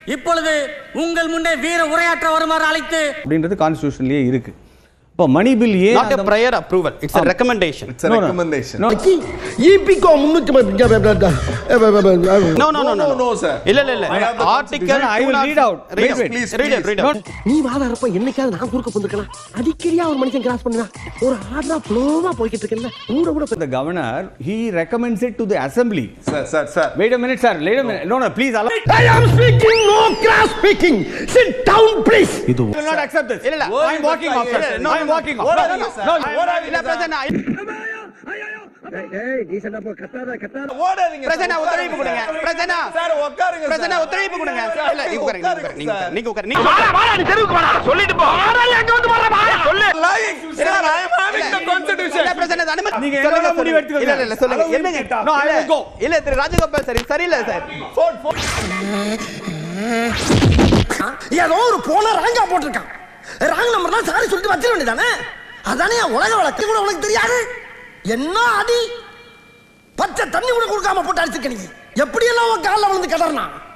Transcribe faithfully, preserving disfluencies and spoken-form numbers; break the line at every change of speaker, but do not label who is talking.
இப்பொழுது உங்கள் முன்னே வீர உரையாற்ற வருமாறு அழைத்து
அப்படின்றது கான்ஸ்டிடியூஷன்லயே இருக்கு. இப்போ money bill a
not a prior approval, it's a recommendation.
It's a no, recommendation.
No.
ஈபிகோ முன்னூற்று
No, no, no, no,
no, sir.
இல்ல இல்ல இல்ல. Article
I will read out.
Read,
Wait,
please,
wait.
read it, read it.
நீ வாதாரப்ப என்னைக்காவது நான் குறுக்க வந்திருக்கலாம். அடிக்கடியா ஒரு மனுஷன் கிராஸ் பண்ணுவா. ஒரு ஆர்டரா ஃப்ளோவா போயிட்டு இருக்கேன்ல. கூட கூட
the governor he recommends it to the assembly.
Sir, sir, sir.
Wait a minute, sir. Wait a minute. No, no, please allow.
I am speaking, no cross speaking. Sit down, please.
I will not accept this.
இல்ல இல்ல.
I am walking off. No, I am walking off.
What are you, sir?
No,
இல்ல பிரசன்னா.
ஏய் நீ சொன்னா போ கத்தாத கத்தாத.
ஓடாதீங்க.
பிரசன்னா ஒத்துழைப்பு கொடுங்க. பிரசன்னா.
சார் உட்காருங்க.
பிரசன்னா ஒத்துழைப்பு கொடுங்க. இல்ல நீங்க உட்காருங்க, நீங்க உட்காருங்க. நீங்க உட்காருங்க. நீங்க
வாடா வாடா நீ தெருவுக்கு வாடா. சொல்லிட்டு போ. வாடா எங்க வந்து வாடா வா. சொல்லு.
Lying. Sir, I am having the constitution.
இல்ல பிரசன்னா அனுமதி.
நீங்க என்ன முடிவு எடுத்துக்கோங்க.
இல்ல இல்ல சொல்லுங்க. என்னங்க?
No, I will go.
இல்ல திரு ராஜகோபால் சார் சரியில்லை சார்.
Phone, phone.
ஏதோ ஒரு போன ராங்கா போட்டுருக்கான். ராங் நம்பர் தான் சாரி சொல்லிட்டு வச்சிர வேண்டியதானே. அதானே உலக வழக்கு கூட உனக்கு தெரியாது. என்ன அடி பச்சை தண்ணி கூட கொடுக்காம போட்டு அடிச்சிருக்க நீ. எப்படி எல்லாம் காலில் விழுந்து கடறனா